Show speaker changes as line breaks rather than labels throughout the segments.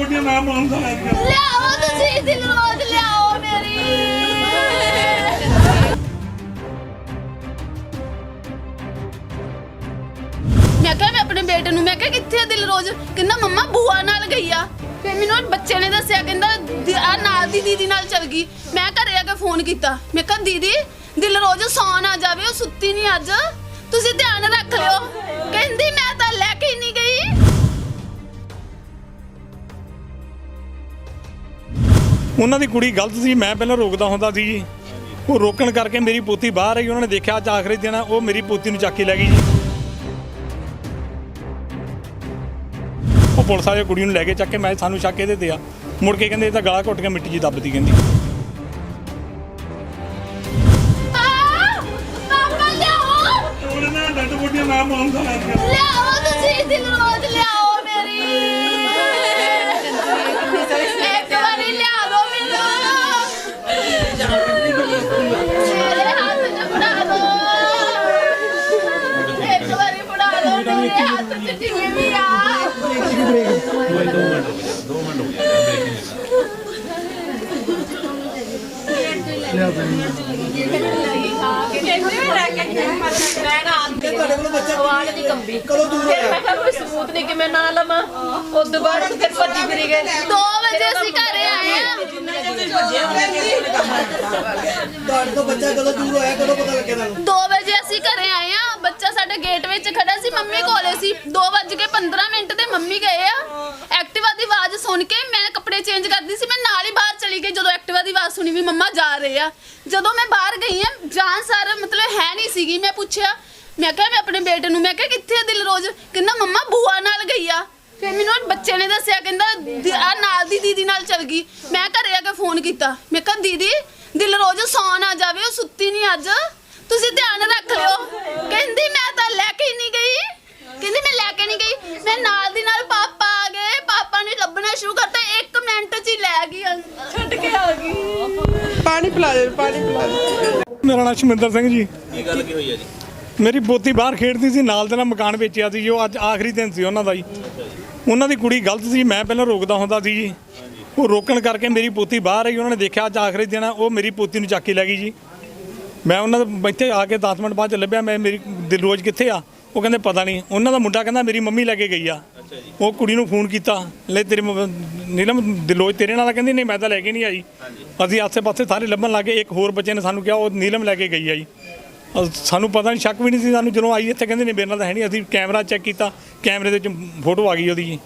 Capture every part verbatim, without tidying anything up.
ਬੁੱਢੀ ਮੈਂ ਮਾਨ ਦਾ
ਲਿਆਓ ਤੁਸੀਂ ਦਿਲਰੋਜ਼ ਲਿਆਓ ਮੇਰੀ। ਮੈਂ ਕਿਹਾ ਮੈਂ ਆਪਣੇ ਬੇਟੇ ਨੂੰ ਮੈਂ ਕਿਹਾ ਕਿੱਥੇ ਆ ਦਿਲਰੋਜ਼, ਕਹਿੰਦਾ ਮੰਮਾ ਬੂਆ ਨਾਲ ਗਈ ਆ। ਫਿਰ ਮੈਨੂੰ ਬੱਚੇ ਨੇ ਦੱਸਿਆ ਕਹਿੰਦਾ ਆ ਨਾਲ ਦੀ ਦੀਦੀ ਨਾਲ ਚਲ ਗਈ। ਮੈਂ ਘਰੇ ਆ ਕੇ ਫੋਨ ਕੀਤਾ, ਮੈਂ ਕਿਹਾ ਦੀਦੀ ਦਿਲਰੋਜ਼ ਸੌਣ ਆ ਜਾਵੇ, ਉਹ ਸੁੱਤੀ ਨਹੀਂ ਅੱਜ, ਤੁਸੀਂ ਧਿਆਨ ਰੱਖ ਲਿਓ। ਕਹਿੰਦੀ ਮੈਂ ਤਾਂ ਲੈ ਕੇ ਹੀ ਨਹੀਂ ਗਈ।
ਉਹਨਾਂ ਦੀ ਕੁੜੀ ਗਲਤ ਸੀ, ਮੈਂ ਪਹਿਲਾਂ ਰੋਕਦਾ ਹੁੰਦਾ ਸੀ ਜੀ। ਉਹ ਰੋਕਣ ਕਰਕੇ ਮੇਰੀ ਪੋਤੀ ਬਾਹਰ ਆਈ, ਉਹਨਾਂ ਨੇ ਦੇਖਿਆ ਅੱਜ ਆਖਰੀ ਦਿਨ ਆ, ਉਹ ਮੇਰੀ ਪੋਤੀ ਨੂੰ ਚੱਕ ਕੇ ਲੈ ਗਈ ਜੀ। ਉਹ ਪੁਲਿਸ ਵਾਲੇ ਕੁੜੀ ਨੂੰ ਲੈ ਕੇ ਚੱਕ ਕੇ ਮੈਂ ਸਾਨੂੰ ਸ਼ੱਕ ਇਹਦੇ ਤੇ ਆ। ਮੁੜ ਕੇ ਕਹਿੰਦੇ ਇਹ ਤਾਂ ਗਲਾ ਘੁੱਟ ਕੇ ਮਿੱਟੀ 'ਚ ਦੱਬਦੀ ਕਹਿੰਦੀ।
ਲਿਆਓ ਤੁਸੀਂ ਦਿਲਰੋਜ਼ ਲਿਆਓ ਮੇਰੀ। ਇੱਕ ਵਾਰੀ ਲਿਆ ਦੋ ਮੈਨੂੰ, ਮੇਰੇ ਹੱਥ 'ਚ ਫੜਾ ਦੋ। ਇੱਕ ਵਾਰੀ ਫੜਾ ਦੋ, ਮੇਰੇ ਹੱਥ 'ਚ ਟਿੱਕੀ ਆ। ਦੋ ਵਜੇ ਅਸੀਂ ਘਰੇ ਆਏ ਆ। ਦੋ ਵਜੇ ਅਸੀਂ ਘਰੇ ਆਏ ਆ, ਬੱਚਾ ਸਾਡੇ ਗੇਟ ਵਿੱਚ ਖੜਾ ਸੀ, ਮੰਮੀ ਕੋਲੇ ਸੀ। ਦੋ ਵੱਜ ਕੇ ਪੰਦਰਾਂ ਮਿੰਟ ਤੇ ਮੰਮੀ ਗਏ ਆ। ਐਕਟਿਵਾ ਦੀ ਆਵਾਜ਼ ਸੁਣ ਕੇ ਮੈਂ ਕੱਪੜੇ ਚੇਂਜ ਕਰਦੀ ਸੀ, ਮੈਂ ਨਾਲ ਹੀ ਬਾਹਰ ਚਲੀ ਗਈ। ਜਦੋਂ ਐਕਟਿਵਾ ਦੀ ਆਵਾਜ਼ ਸੁਣੀ ਵੀ ਮੰਮਾ ਜਾ ਰਹੇ ਆ, ਜਦੋਂ ਮੈਂ ਬਾਹਰ ਗਈ ਆ ਜਾਨ ਸਾਰ ਮਤਲਬ ਹੈ ਨਹੀਂ ਸੀਗੀ। ਮੈਂ ਪੁੱਛਿਆ, ਮੈਂ ਕਿਹਾ ਮੈਂ ਆਪਣੇ ਬੇਟੇ ਨੂੰ ਮੈਂ ਕਿਹਾ ਕਿੱਥੇ ਆ ਦਿਲਰੋਜ਼, ਕਹਿੰਦਾ ਮੰਮਾ ਬੂਆ ਨਾਲ ਗਈ ਆ। ਫਿਰ ਮੈਨੂੰ ਬੱਚੇ ਨੇ ਦੱਸਿਆ ਕਹਿੰਦਾ ਆ ਨਾਲ ਦੀ ਦੀਦੀ ਨਾਲ ਚਲ ਗਈ। ਮੈਂ ਘਰੇ ਆ ਕੇ ਫੋਨ ਕੀਤਾ, ਮੈਂ ਕਿਹਾ ਦੀਦੀ ਦਿਲਰੋਜ਼ ਸੌਣ ਆ ਜਾਵੇ, ਉਹ ਸੁੱਤੀ ਨਹੀਂ ਅੱਜ, ਤੁਸੀਂ ਧਿਆਨ ਰੱਖ ਲਿਓ। ਕਹਿੰਦੀ ਮੈਂ ਤਾਂ ਲੈ ਕੇ ਹੀ ਨਹੀਂ ਗਈ, ਕਹਿੰਦੀ ਮੈਂ ਲੈ ਕੇ ਨਹੀਂ ਗਈ। ਮੈਂ ਨਾਲ ਦੀ ਨਾਲ ਪਾਪਾ ਆ ਗਏ, ਪਾਪਾ ਨੇ ਲੱਭਣਾ ਸ਼ੁਰੂ ਕਰਤਾ, ਇੱਕ ਮਿੰਟ 'ਚ ਹੀ ਲੈ ਗਈ, ਛੱਡ ਕੇ ਆ ਗਈ।
ਪਾਣੀ ਪਿਲਾ ਦੇ, ਪਾਣੀ ਪਿਲਾ ਦੇ।
ਮੇਰਾ ਨਾਮ ਸ਼ਮਿੰਦਰ ਸਿੰਘ ਜੀ।
ਕੀ ਗੱਲ ਕੀ ਹੋਈ ਹੈ ਜੀ?
ਮੇਰੀ ਪੋਤੀ ਬਾਹਰ ਖੇਡਦੀ ਸੀ, ਨਾਲ ਦੇ ਨਾਲ ਮਕਾਨ ਵੇਚਿਆ ਸੀ ਜੋ ਅੱਜ ਆਖਰੀ ਦਿਨ ਸੀ ਉਹਨਾਂ ਦਾ ਜੀ। ਉਹਨਾਂ ਦੀ ਕੁੜੀ ਗਲਤ ਸੀ, ਮੈਂ ਪਹਿਲਾਂ ਰੋਕਦਾ ਹੁੰਦਾ ਸੀ ਜੀ। ਉਹ ਰੋਕਣ ਕਰਕੇ ਮੇਰੀ ਪੋਤੀ ਬਾਹਰ ਆਈ, ਉਹਨਾਂ ਨੇ ਦੇਖਿਆ ਅੱਜ ਆਖਰੀ ਦਿਨ ਆ, ਉਹ ਮੇਰੀ ਪੋਤੀ ਨੂੰ ਚੱਕ ਕੇ ਲੈ ਗਈ ਜੀ। ਮੈਂ ਉਹਨਾਂ ਦੇ ਇੱਥੇ ਆ ਕੇ ਦਸ ਮਿੰਟ ਬਾਅਦ ਲੱਭਿਆ, ਮੈਂ ਮੇਰੀ ਦਿਲਰੋਜ਼ ਕਿੱਥੇ ਆ? ਉਹ ਕਹਿੰਦੇ ਪਤਾ ਨਹੀਂ। ਉਹਨਾਂ ਦਾ ਮੁੰਡਾ ਕਹਿੰਦਾ ਮੇਰੀ ਮੰਮੀ ਲੈ ਕੇ ਗਈ ਆ। ਉਹ ਕੁੜੀ ਨੂੰ ਫੋਨ ਕੀਤਾ, ਲੈ ਤੇਰੀ ਨੀਲਮ ਦਿਲਰੋਜ਼ ਤੇਰੇ ਨਾਲ? ਕਹਿੰਦੀ ਨਹੀਂ ਮੈਂ ਤਾਂ ਲੈ ਕੇ ਨਹੀਂ ਆਈ। ਅਸੀਂ ਆਸੇ ਪਾਸੇ ਸਾਰੇ ਲੱਭਣ ਲੱਗੇ, ਇੱਕ ਹੋਰ ਬੱਚੇ ਨੇ ਸਾਨੂੰ ਕਿਹਾ ਉਹ ਨੀਲਮ ਲੈ ਕੇ ਗਈ ਆ ਜੀ। ਸਾਨੂੰ ਪਤਾ ਨਹੀਂ, ਸ਼ੱਕ ਵੀ ਨਹੀਂ ਸੀ ਸਾਨੂੰ। ਜਦੋਂ ਆਈ ਇੱਥੇ ਕਹਿੰਦੇ ਨਹੀਂ ਮੇਰੇ ਨਾਲ ਤਾਂ ਹੈ ਨਹੀਂ। ਅਸੀਂ ਕੈਮਰਾ ਚੈੱਕ ਕੀਤਾ, ਕੈਮਰੇ ਦੇ ਵਿੱਚ ਫੋਟੋ ਆ ਗਈ ਉਹਦੀ ਜੀ।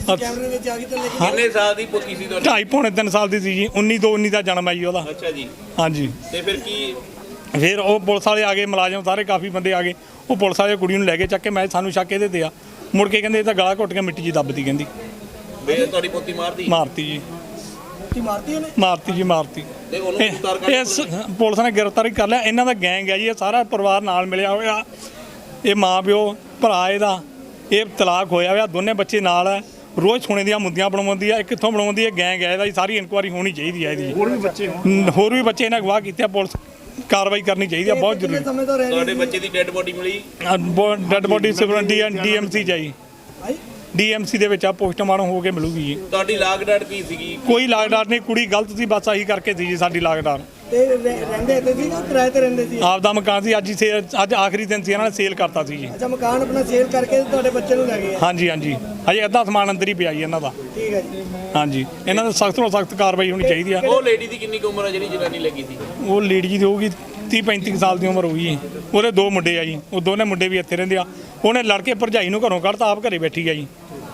ਕਿੰਨੇ ਸਾਲ ਦੀ ਪੋਤੀ ਸੀ ਤੁਹਾਡੀ?
ਢਾਈ ਪੌਣੇ ਤਿੰਨ ਸਾਲ ਦੀ ਸੀ ਜੀ। ਉੱਨੀ ਦੋ ਉੱਨੀ ਦਾ ਜਨਮ ਹੈ ਜੀ ਉਹਦਾ।
ਅੱਛਾ ਜੀ।
ਹਾਂਜੀ।
ਤੇ ਫਿਰ ਕੀ?
ਫਿਰ ਉਹ ਪੁਲਿਸ ਵਾਲੇ ਆ ਗਏ, ਮੁਲਾਜ਼ਮ ਸਾਰੇ ਕਾਫੀ ਬੰਦੇ ਆ ਗਏ। ਉਹ ਪੁਲਿਸ ਵਾਲੇ ਕੁੜੀ ਨੂੰ ਲੈ ਕੇ ਚੱਕ ਕੇ ਮੈਂ ਸਾਨੂੰ ਸ਼ੱਕ ਇਹਦੇ ਤੇ ਆ। ਮੁੜ ਕੇ ਕਹਿੰਦੇ ਇਹ ਤਾਂ ਗਲਾ ਘੁੱਟ ਕੇ ਮਿੱਟੀ 'ਚ ਦੱਬਦੀ ਕਹਿੰਦੀ।
ਵੇ ਤੁਹਾਡੀ ਪੋਤੀ ਮਾਰਦੀ?
ਮਾਰਤੀ ਜੀ,
ਮਾਰਤੀ ਉਹਨੇ?
ਮਾਰਤੀ ਜੀ, ਮਾਰਤੀ।
ਤੇ ਉਹਨੂੰ ਗ੍ਰਿਫਤਾਰ ਕਰ
ਇਸ ਪੁਲਿਸ ਨੇ ਗ੍ਰਿਫਤਾਰ ਕਰ ਲਿਆ। ਇਹਨਾਂ ਦਾ ਗੈਂਗ ਹੈ ਜੀ, ਇਹ ਸਾਰਾ ਪਰਿਵਾਰ ਨਾਲ ਮਿਲਿਆ ਹੋਇਆ। ਇਹ ਮਾਂ ਪਿਓ ਭਰਾ ਇਹਦਾ, ਇਹ ਤਲਾਕ ਹੋਇਆ ਹੋਇਆ, ਦੋਨੇ ਬੱਚੇ ਨਾਲ ਹੈ। ਰੋਜ਼ ਸੋਨੇ ਦੀਆਂ ਮੁੰਦੀਆਂ ਬਣਵਾਉਂਦੀ ਆ। ਇਹ ਕਿੱਥੋਂ ਬਣਵਾਉਂਦੀ ਹੈ? ਗੈਂਗ ਹੈ ਇਹਦਾ ਜੀ। ਸਾਰੀ ਇਨਕੁਆਰੀ ਹੋਣੀ ਚਾਹੀਦੀ ਹੈ ਇਹਦੀ। ਹੋਰ ਵੀ ਬੱਚੇ ਹੋਰ ਵੀ ਬੱਚੇ ਇਹਨਾਂ ਅਗਵਾ ਕੀਤੇ, ਪੁਲਿਸ ਕਾਰਵਾਈ ਕਰਨੀ ਚਾਹੀਦੀ ਹੈ, ਬਹੁਤ ਜ਼ਰੂਰੀ।
ਤੁਹਾਡੇ ਬੱਚੇ ਦੀ ਡੈੱਡ ਬੋਡੀ ਮਿਲੀ?
Dead body D M C ਜਾਈ, ਡੀ ਐਮ ਸੀ ਦੇ ਵਿੱਚ ਆ, ਪੋਸਟਮਾਰਟਮ ਹੋ ਕੇ ਮਿਲੂਗੀ ਜੀ।
ਤੁਹਾਡੀ ਲਾਗ ਡਾਟ ਕੀ ਸੀਗੀ?
ਕੋਈ ਲਾਗਡਾਰ ਨਹੀਂ, ਕੁੜੀ ਗਲਤ ਸੀ, ਬਸ ਆਹੀ ਕਰਕੇ ਸੀ ਜੀ ਸਾਡੀ ਲਾਗਡਾਰ।
ਤੇ ਰਹਿੰਦੇ ਇੱਥੇ ਸੀ ਜਾਂ ਕਿਰਾਏ ਤੇ ਰਹਿੰਦੇ ਸੀ?
ਆਪ ਦਾ ਮਕਾਨ ਸੀ, ਅੱਜ ਹੀ ਸੇਲ, ਅੱਜ ਆਖਰੀ ਦਿਨ ਸੀ, ਇਹਨਾਂ ਨੇ ਸੇਲ ਕਰਤਾ ਸੀ ਜੀ।
ਅੱਛਾ, ਮਕਾਨ ਆਪਣਾ ਸੇਲ ਕਰਕੇ ਤੁਹਾਡੇ ਬੱਚੇ ਨੂੰ ਲੈ ਗਏ?
ਹਾਂਜੀ ਹਾਂਜੀ, ਹਜੇ ਅੱਧਾ ਸਮਾਨ ਅੰਦਰ ਹੀ ਪਿਆ ਜੀ ਇਹਨਾਂ ਦਾ।
ਠੀਕ ਹੈ ਜੀ।
ਹਾਂਜੀ, ਇਹਨਾਂ ਦਾ ਸਖਤ ਤੋਂ ਸਖਤ ਕਾਰਵਾਈ ਹੋਣੀ ਚਾਹੀਦੀ ਆ।
ਉਹ ਲੇਡੀ ਦੀ ਕਿੰਨੀ ਕੁ ਉਮਰ ਹੈ ਜਿਹੜੀ ਜਨਾਨੀ ਲੱਗੀ ਸੀ?
ਉਹ ਲੇਡੀ ਜੀ ਦੀ ਹੋਊਗੀ ਤੀਹ ਪੈਂਤੀ ਸਾਲ ਦੀ ਉਮਰ ਹੋਊਗੀ। ਉਹਦੇ ਦੋ ਮੁੰਡੇ ਆ ਜੀ, ਉਹ ਦੋਨੇ ਮੁੰਡੇ ਵੀ ਇੱਥੇ ਰਹਿੰਦੇ ਆ। ਉਹਨੇ ਲੜ ਕੇ ਭਰਜਾਈ ਨੂੰ ਘਰੋਂ ਕੱਢਤਾ, ਆਪ ਘਰੇ ਬੈਠੀ ਆ ਜੀ।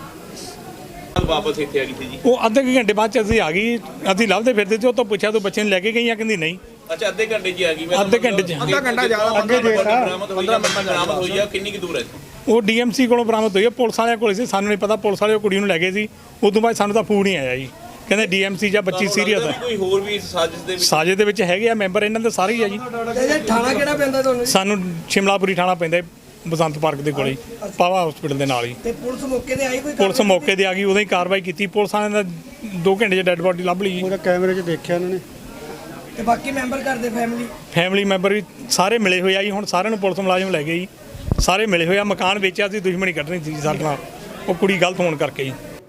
ਵਾਪਸ ਇੱਥੇ ਆ ਗਈ ਸੀ ਜੀ?
ਉਹ ਅੱਧੇ ਕੁ ਘੰਟੇ ਬਾਅਦ ਚ ਅਸੀਂ ਆ ਗਈ। ਅਸੀਂ ਲੱਭਦੇ ਫਿਰਦੇ ਸੀ, ਉਹ ਤੋਂ ਪੁੱਛਿਆ ਤੂੰ ਬੱਚੇ ਨੂੰ ਲੈ ਕੇ ਗਈ ਆ? ਕਹਿੰਦੀ ਨਹੀਂ।
ਅੱਛਾ, ਅੱਧੇ ਘੰਟੇ 'ਚ ਆ ਗਈ?
ਅੱਧੇ ਘੰਟੇ 'ਚ।
ਅੱਧਾ ਘੰਟਾ ਜ਼ਿਆਦਾ ਅੱਗੇ ਦੇਖਾ। ਪੰਦਰਾਂ ਮਿੰਟ ਬਰਾਮਦ ਹੋਈ ਆ। ਕਿੰਨੀ ਕੁ ਦੂਰ ਹੈ?
ਉਹ ਡੀ ਐਮ ਸੀ ਕੋਲੋਂ ਬਰਾਮਦ ਹੋਈ ਹੈ, ਪੁਲਿਸ ਵਾਲਿਆਂ ਕੋਲ ਸੀ। ਸਾਨੂੰ ਨਹੀਂ ਪਤਾ, ਪੁਲਿਸ ਵਾਲੇ ਉਹ ਕੁੜੀ ਨੂੰ ਲੈ ਗਏ ਸੀ। ਉਸ ਤੋਂ ਬਾਅਦ ਸਾਨੂੰ ਤਾਂ ਫੋਨ ਹੀ ਆਇਆ ਜੀ, ਕਹਿੰਦੇ ਡੀ ਐਮ ਸੀ ਜਾਂ ਬੱਚੀ ਸੀਰੀਅਸ ਹੈ।
ਕੋਈ ਹੋਰ ਵੀ ਸਾਜ਼ਿਸ਼ ਦੇ ਵਿੱਚ?
ਸਾਜ਼ਿਸ਼ ਦੇ ਵਿੱਚ ਹੈਗੇ ਆ ਮੈਂਬਰ, ਇਹਨਾਂ ਦੇ ਸਾਰੇ ਹੀ ਆ ਜੀ।
ਥਾਣਾ ਕਿਹੜਾ ਪੈਂਦਾ ਤੁਹਾਨੂੰ?
ਸਾਨੂੰ ਸ਼ਿਮਲਾਪੁਰੀ ਥਾਣਾ ਪੈਂਦਾ, ਬਸੰਤ ਪਾਰਕ ਦੇ ਕੋਲੇ, ਪਾਵਾ ਹਸਪੀਟਲ ਦੇ ਨਾਲ ਹੀ।
ਤੇ ਪੁਲਿਸ ਮੌਕੇ ਤੇ ਆਈ? ਕੋਈ
ਪੁਲਿਸ ਮੌਕੇ ਤੇ ਆ ਗਈ, ਉਦੋਂ ਹੀ ਕਾਰਵਾਈ ਕੀਤੀ। ਪੁਲਿਸ ਵਾਲਿਆਂ ਨੇ ਦੋ ਘੰਟੇ 'ਚ ਡੈੱਡ ਬੋਡੀ ਲੱਭ ਲਈ ਜੀ।
ਉਹਦਾ ਕੈਮਰੇ 'ਚ ਦੇਖਿਆ ਇਹਨਾਂ ਨੇ। ਤੇ ਬਾਕੀ ਮੈਂਬਰ ਘਰ ਦੇ ਫੈਮਿਲੀ
ਫੈਮਿਲੀ ਮੈਂਬਰ ਵੀ ਸਾਰੇ ਮਿਲੇ ਹੋਏ ਆ ਜੀ। ਹੁਣ ਸਾਰਿਆਂ ਨੂੰ ਪੁਲਿਸ ਮੁਲਾਜ਼ਮ ਲੈ ਗਏ ਜੀ, ਸਾਰੇ ਮਿਲੇ ਹੋਏ ਆ। ਮਕਾਨ ਵੇਚਿਆ ਸੀ, ਦੁਸ਼ਮਣੀ ਕੱਢਣੀ ਸੀ ਸਾਡੇ ਨਾਲ, ਉਹ ਕੁੜੀ ਗਲਤ ਹੋਣ ਕਰਕੇ ਜੀ।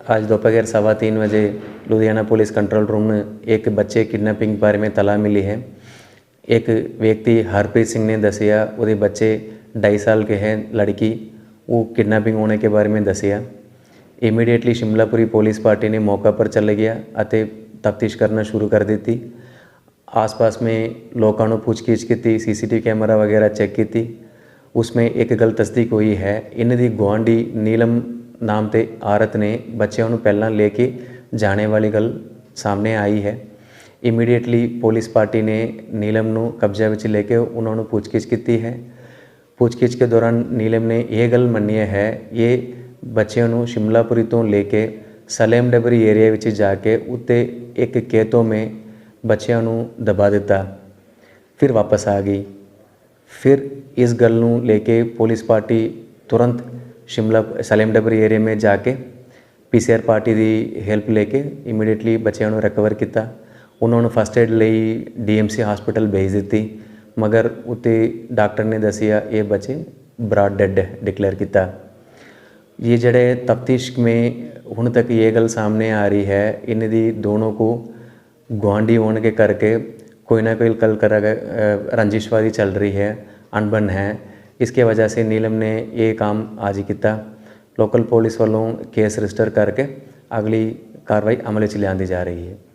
आज दोपहर सवा तीन बजे लुधियाना पुलिस कंट्रोल रूम में एक बच्चे किडनैपिंग बारे में तला मिली है। एक व्यक्ति हरप्रीत सिंह ने दसिया वो बच्चे ढाई साल के हैं लड़की, वो किडनैपिंग होने के बारे में दसिया। इमीडिएटली शिमलापुरी पुलिस पार्टी ने मौका पर चले गया ਅਤੇ तफ्तीश करना शुरू कर दी थी। आस पास में लोगों ने पूछगिछ की, सीसीटीवी कैमरा वगैरह चेक की थी। उसमें एक गल तस्दीक हुई है, इन्ह दी गुआंढी नीलम नाम ते औरत ने बच्चों को पहला लेके जाने वाली गल सामने आई है। इमीडिएटली पुलिस पार्टी ने नीलम नू कब्जे विच लेके उन्होंने पूछगिछ की है। पूछगिछ के दौरान नीलम ने यह गल मन्नी है, ये बच्चों को शिमलापुरी तो लेके सलेम डबरी एरिया विच जाके उत्ते एक खेतों में बच्चों को दबा दिता, फिर वापस आ गई। फिर इस गल नू लेके पुलिस पार्टी तुरंत शिमला सलेम डबरी एरिया में जाके पीसीआर पार्टी की हेल्प लेके इमीडिएटली बच्चों को रिकवर किया। उन्होंने फस्ट एड लई डीएमसी हॉस्पिटल भेज दी, मगर उत्ते डॉक्टर ने दसिया ये बच्चे ब्रॉड डेड डिक्लेयर किया। ये जड़े तफ्तीश में हुण तक ये गल सामने आ रही है, इन दी दोनों को गुआंढी होने के करके कोई ना कोई कल कर रंजिशवादी चल रही है, अनबन है। इसके वजह से नीलम ने ये काम आज ही किया। लोकल पुलिस वालों केस रजिस्टर करके अगली कार्रवाई अमल च लियांदी जा रही है।